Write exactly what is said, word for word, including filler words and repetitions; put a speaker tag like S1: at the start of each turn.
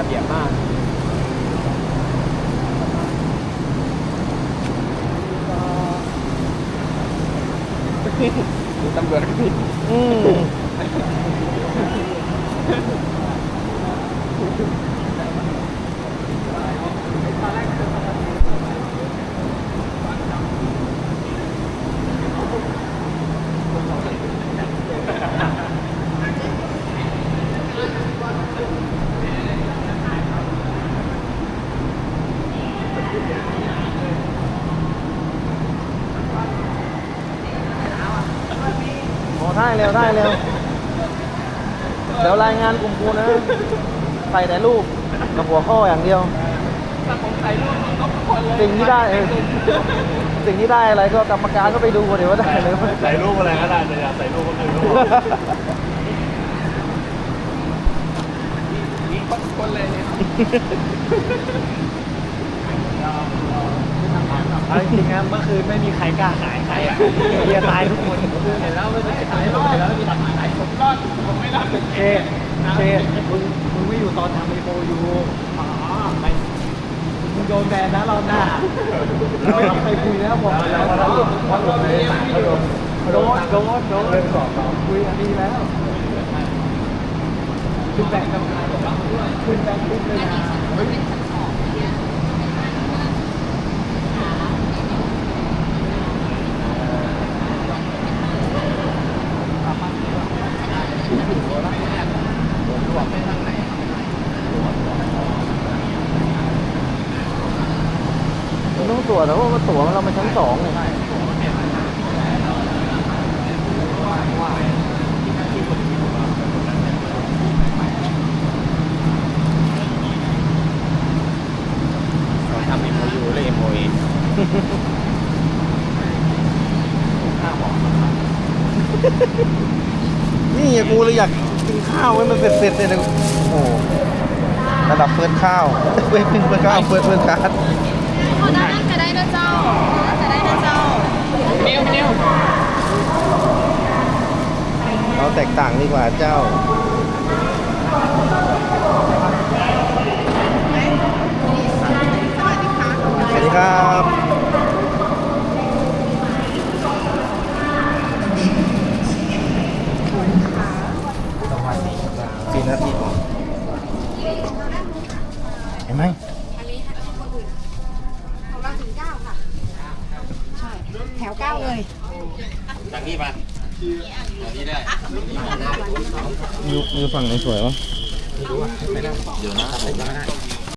S1: เบียบมากมีตำรวจก็ผิดอืมได้เร็วได้เร็วเดี๋ยวรายงานกลุ่มกูนะใส่แต่รูปกับหัวข้ออย่างเดียวสิ่งที่ได้สิ่งที่ได้อะไรก็กรรมการก็ไปดูเดี๋ยวว่าได้เลย
S2: ใส่รูปอะไรก็ได้แต่อย่าใส่รูปก็คือรูปนี่คนเลยเนี่ยเอาจริงๆนะเมื่อคืนไม่มีใครกล้าขายใครอ่ะเฮียตายทุกคนเห็นแล้วไม่ได้ขายรอดแล้วมีทำขายผมรอดผมไม่รอดเชเชมึงมึงไม่อยู่ตอนทำไอโฟยูอ๋อไปมึงโดนแบนนะรอบหน้าไม่มีใครคุยนะบอกแล้วว่าเราว่าเราไม่ได้โดนโดนโดนโดนเรื่องสอบคุยอันนี้แล้วขึ้นแบงค์กรรมการบอกว่าขึ้นแบงค์ปุ๊บเลยนะต้องตรวจแต่ว่าตั๋วเรามาชั้นสองเลยเราทำ เอ็ม โอ ยู หรือ เอ็ม โอ เอ นี่กูเลยอยากกินข้าวให้มันเสร็จๆเลยนะโอ้ระดับเฟิร์สข้าวเฟิร์สเฟิร์สข้าวเฟิร์สเฟิร์สการ์ด
S3: เขาได้จะได้นะเจ้าจะได้นะเจ้าเนียวเนียว
S1: เราแตกต่างดีกว่าเจ้าสวัสดีครับสี่นาทีเห็นไหม
S3: ของเราถึงเก้าค่ะใช่แถวเก้าเลย
S2: จากนี้มาจากนี้ได้
S1: มือมือฝั่งไหนสวยวะ
S2: ไม่รู้อ่ะไม่ได้เดี๋ยวนะครับผมไม่ได้